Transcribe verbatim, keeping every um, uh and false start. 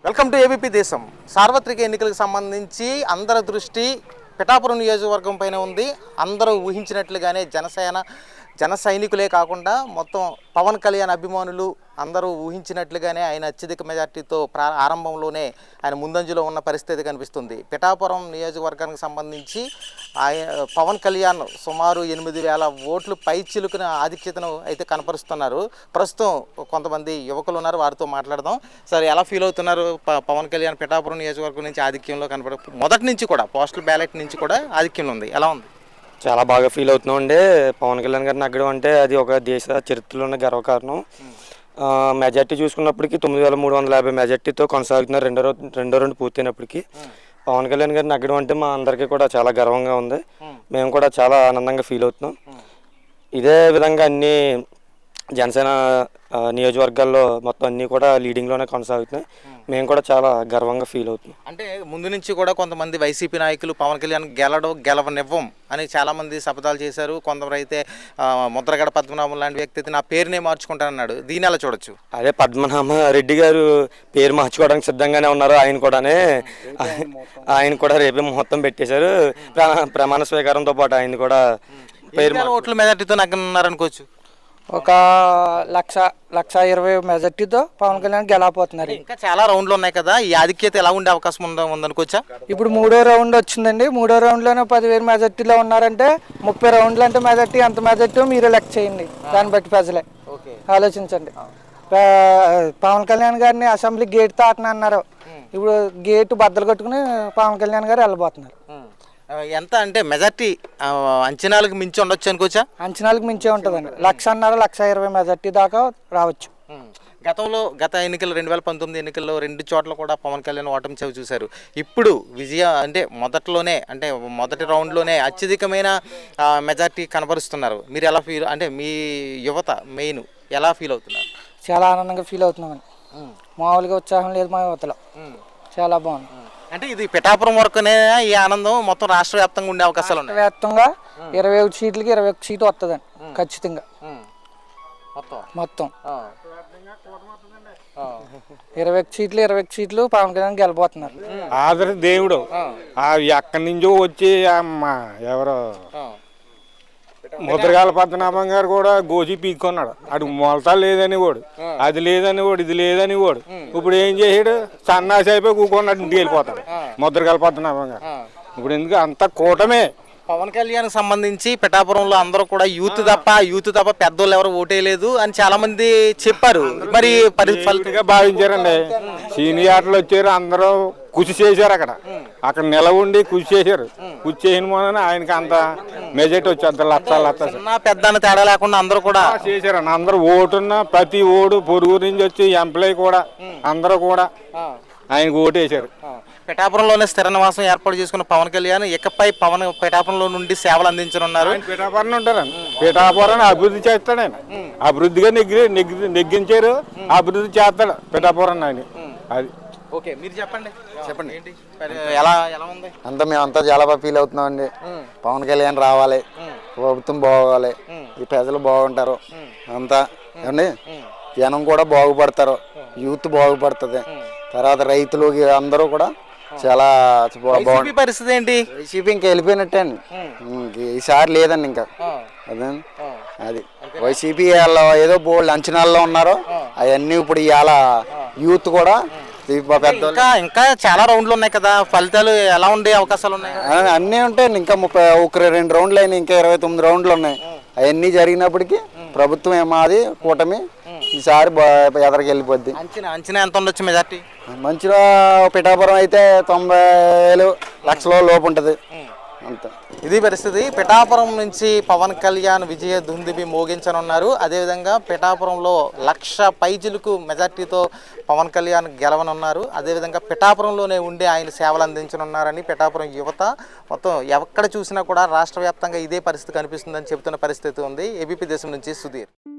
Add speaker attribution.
Speaker 1: Welcome to ABP దేశం. సార్వత్రిక ఎన్నికలకు సంబంధించి అందరి దృష్టి పిఠాపురం నియోజకవర్గం పైన ఉంది. అందరూ ఊహించినట్లుగానే జనసేన జన సైనికులే కాకుండా మొత్తం పవన్ కళ్యాణ్ అభిమానులు అందరూ ఊహించినట్లుగానే ఆయన అత్యధిక మెజార్టీతో ప్రా ఆరంభంలోనే ఆయన ముందంజలో ఉన్న పరిస్థితి కనిపిస్తుంది. పిఠాపురం నియోజకవర్గానికి సంబంధించి ఆయన పవన్ కళ్యాణ్ సుమారు ఎనిమిది వేల ఓట్లు పై చిలుకున ఆధిక్యతను అయితే కనపరుస్తున్నారు. ప్రస్తుతం కొంతమంది యువకులు ఉన్నారు, వారితో మాట్లాడదాం. సార్, ఎలా ఫీల్ అవుతున్నారు? పవన్ కళ్యాణ్ పిఠాపురం నియోజకవర్గం నుంచి ఆధిక్యంలో కనపడ మొదటి నుంచి కూడా పోస్టల్ బ్యాలెట్ నుంచి కూడా ఆధిక్యంలో ఉంది. ఎలా ఉంది?
Speaker 2: చాలా బాగా ఫీల్ అవుతున్నాం అండి. పవన్ కళ్యాణ్ గారిని నగ్గడం అంటే అది ఒక దేశ చరిత్రలోనే గర్వకారణం. మెజార్టీ చూసుకున్నప్పటికీ తొమ్మిది వేల మూడు వందల యాభై మెజార్టీతో కొనసాగుతున్నారు. రెండో రెండో రెండు పూర్తయినప్పటికీ పవన్ కళ్యాణ్ గారిని నగ్గడం అంటే మా అందరికీ కూడా చాలా గర్వంగా ఉంది. మేము కూడా చాలా ఆనందంగా ఫీల్ అవుతున్నాం. ఇదే విధంగా అన్ని జనసేన నియోజకవర్గాల్లో మొత్తం అన్నీ కూడా లీడింగ్లోనే కొనసాగుతున్నాయి. మేము కూడా చాలా గర్వంగా ఫీల్ అవుతున్నాం.
Speaker 1: అంటే ముందు నుంచి కూడా కొంతమంది వైసీపీ నాయకులు పవన్ కళ్యాణ్ గెలడం గెలవనివ్వం అని చాలామంది శపథాలు చేశారు. కొందరు అయితే ముద్రగడ పద్మనాభం లాంటి వ్యక్తి అయితే నా పేరునే మార్చుకుంటానన్నాడు. దీని ఎలా చూడొచ్చు?
Speaker 2: అదే పద్మనాభ రెడ్డి గారు పేరు మార్చుకోవడానికి సిద్ధంగానే ఉన్నారు. ఆయన కూడానే ఆయన కూడా రేపే ముహూర్తం పెట్టేశారు. ప్రమాణ స్వీకారంతో పాటు ఆయన కూడా పేరు
Speaker 1: ఓట్ల మెజార్టీతో నగ్గనున్నారనుకోవచ్చు.
Speaker 3: ఒక లక్ష లక్ష ఇరవై మెజార్టీతో పవన్ కళ్యాణ్ గెలవబోతున్నారు.
Speaker 1: ఇంకా చాలా రౌండ్లు ఉన్నాయి కదా, ఈ ఆధిక్యత ఎలా ఉండే అవకాశం ఉందా ఉందనుకోవచ్చా?
Speaker 3: ఇప్పుడు మూడో రౌండ్ వచ్చిందండి. మూడో రౌండ్లోనే పదివేలు మెజార్టీలో ఉన్నారంటే ముప్పై రౌండ్లు అంటే మెజార్టీ ఎంత మెజార్టీ మీరే లెక్క చేయండి. దాన్ని బట్టి ప్రజలే ఆలోచించండి. పవన్ కళ్యాణ్ గారిని అసెంబ్లీ గేట్ తాటన అన్నారు. ఇప్పుడు గేటు బద్దలు కట్టుకుని పవన్ కళ్యాణ్ గారు వెళ్ళబోతున్నారు.
Speaker 1: ఎంత అంటే మెజార్టీ అంచనాలకు మించి ఉండొచ్చు అనుకోవచ్చా?
Speaker 3: అంచనాలకు మించే ఉంటుందండి. లక్షన్నర లక్ష ఇరవై మెజార్టీ దాకా రావచ్చు.
Speaker 1: గతంలో గత ఎన్నికలు రెండు వేల పంతొమ్మిది ఎన్నికల్లో రెండు చోట్ల కూడా పవన్ కళ్యాణ్ ఓటమి చవి చూశారు. ఇప్పుడు విజయ అంటే మొదట్లోనే అంటే మొదటి రౌండ్లోనే అత్యధికమైన మెజార్టీ కనబరుస్తున్నారు. మీరు ఎలా ఫీల్ అంటే మీ యువత మెయిన్ ఎలా ఫీల్ అవుతున్నారు?
Speaker 3: చాలా ఆనందంగా ఫీల్ అవుతున్నామండి. మామూలుగా ఉత్సాహం లేదు మా యువతలో. చాలా బాగుంది.
Speaker 1: అంటే ఇది పిఠాపురం వరకునే ఈ ఆనందం మొత్తం రాష్ట్ర వ్యాప్తంగా ఉండే అవకాశాలు ఉన్నాయి.
Speaker 3: వ్యాప్తంగా ఇరవై ఒకటి సీట్లకి ఇరవై ఒక్క సీటు వస్తుందండి ఖచ్చితంగా. మొత్తం ఇరవై ఒక్క సీట్లు ఇరవై ఒక్క సీట్లు పవన్ కళ్యాణ్ గెలబోతున్నారు.
Speaker 4: ఆదర దేవుడు ఎక్కడి నుంచో వచ్చి ఎవరో ముద్రగాల పద్మనాభం గారు కూడా గోజీ పీక్కున్నాడు. అటు మొలతా లేదని వాడు, అది లేదని వాడు, ఇది లేదని వాడు. ఇప్పుడు ఏం చేసాడు? సన్నాసి అయిపోయి కూకున్నాడు, ఇంటికి వెళ్ళిపోతాడు ముద్రగాల పద్మనాభం గారు. ఇప్పుడు ఎందుకు అంత కూటమే.
Speaker 1: పవన్ కళ్యాణ్ సంబంధించి పిఠాపురంలో అందరూ కూడా యూత్ తప్ప యూత్ తప్ప పెద్దోళ్ళు ఎవరు ఓటేయలేదు అని చాలా మంది చెప్పారు. మరి
Speaker 4: ఫలితంగా భావించారండి. సీనియర్లు వచ్చారు, అందరూ కృషి చేశారు. అక్కడ అక్కడ నిలవండి కృషి చేశారు. కృషి చేయని మొన్న ఆయనకి అంత మెజార్టీ వచ్చి అంత లక్ష లక్ష
Speaker 1: పెద్ద తేడా లేకుండా అందరూ కూడా
Speaker 4: చేశారండి. అందరూ ఓటున్న ప్రతి ఓడు పొరుగు నుంచి వచ్చి ఎంప్లాయీ కూడా అందరూ కూడా ఆయనకు ఓటేశారు.
Speaker 1: పిఠాపురంలోనే స్థిర నివాసం ఏర్పాటు చేసుకున్న పవన్ కళ్యాణ్ ఇకపై పవన్ పిఠాపురంలో నుండి సేవలు అందించనున్నారు.
Speaker 4: పిఠాపురం ఉంటారండి. పిఠాపురాన్ని అభివృద్ధి చేస్తాడు ఆయన. అభివృద్ధిగా నెగ్గి నెగ్గి నెగ్గించారు, అభివృద్ధి చేస్తాడు పిఠాపురం ఆయన. అది
Speaker 1: ఓకే, మీరు చెప్పండి చెప్పండి ఏంటి ఎలా ఎలా ఉంది?
Speaker 5: అంతా మేమంతా చాలా బాగా ఫీల్ అవుతున్నాం అండి. పవన్ కళ్యాణ్ రావాలి, ప్రభుత్వం బాగోవాలి, ఈ ప్రజలు బాగుంటారు అంతా అండి. జనం కూడా బాగుపడతారు, యూత్ బాగుపడుతుంది. తర్వాత రైతులు అందరూ కూడా చాలా బాగుంది.
Speaker 1: పరిస్థితి ఏంటి?
Speaker 5: వైసీపీ ఇంకా వెళ్ళిపోయినట్టే అండి. ఈసారి లేదండి ఇంకా. అదే అది వైసీపీ వాళ్ళు ఏదో బోల్డ్ అంచనాల్లో ఉన్నారో అవన్నీ ఇప్పుడు ఇవాళ యూత్ కూడా
Speaker 1: ఇంకా ఇంకా చాలా రౌండ్లు ఉన్నాయి కదా, ఫలితాలు ఎలా ఉండే అవకాశాలు ఉన్నాయి?
Speaker 5: అన్నీ ఉంటాయండి. ఇంకా ముప్పై ఒక రెండు రౌండ్లు అయినాయి, ఇంకా ఇరవై తొమ్మిది రౌండ్లు ఉన్నాయి. అవన్నీ జరిగినప్పటికీ ప్రభుత్వం ఏమాది కూటమి ఈసారి ఎదరికి వెళ్ళిపోద్ది.
Speaker 1: అంచనా అంచనా ఎంత ఉండొచ్చు మెజార్టీ?
Speaker 5: మంచిగా పిఠాపురం అయితే తొంభై వేలు లక్షల లోపు ఉంటుంది అంతే.
Speaker 1: ఇది పరిస్థితి. పిఠాపురం నుంచి పవన్ కళ్యాణ్ విజయ దుందుబి మోగించనున్నారు. అదేవిధంగా పిఠాపురంలో లక్ష పైజులకు మెజార్టీతో పవన్ కళ్యాణ్ గెలవనున్నారు. అదేవిధంగా పిఠాపురంలోనే ఉండి ఆయన సేవలు అందించనున్నారని పిఠాపురం యువత మొత్తం ఎక్కడ చూసినా కూడా రాష్ట్ర వ్యాప్తంగా ఇదే పరిస్థితి కనిపిస్తుందని చెబుతున్న పరిస్థితి ఉంది. ఏబీపీ దేశం నుంచి సుధీర్.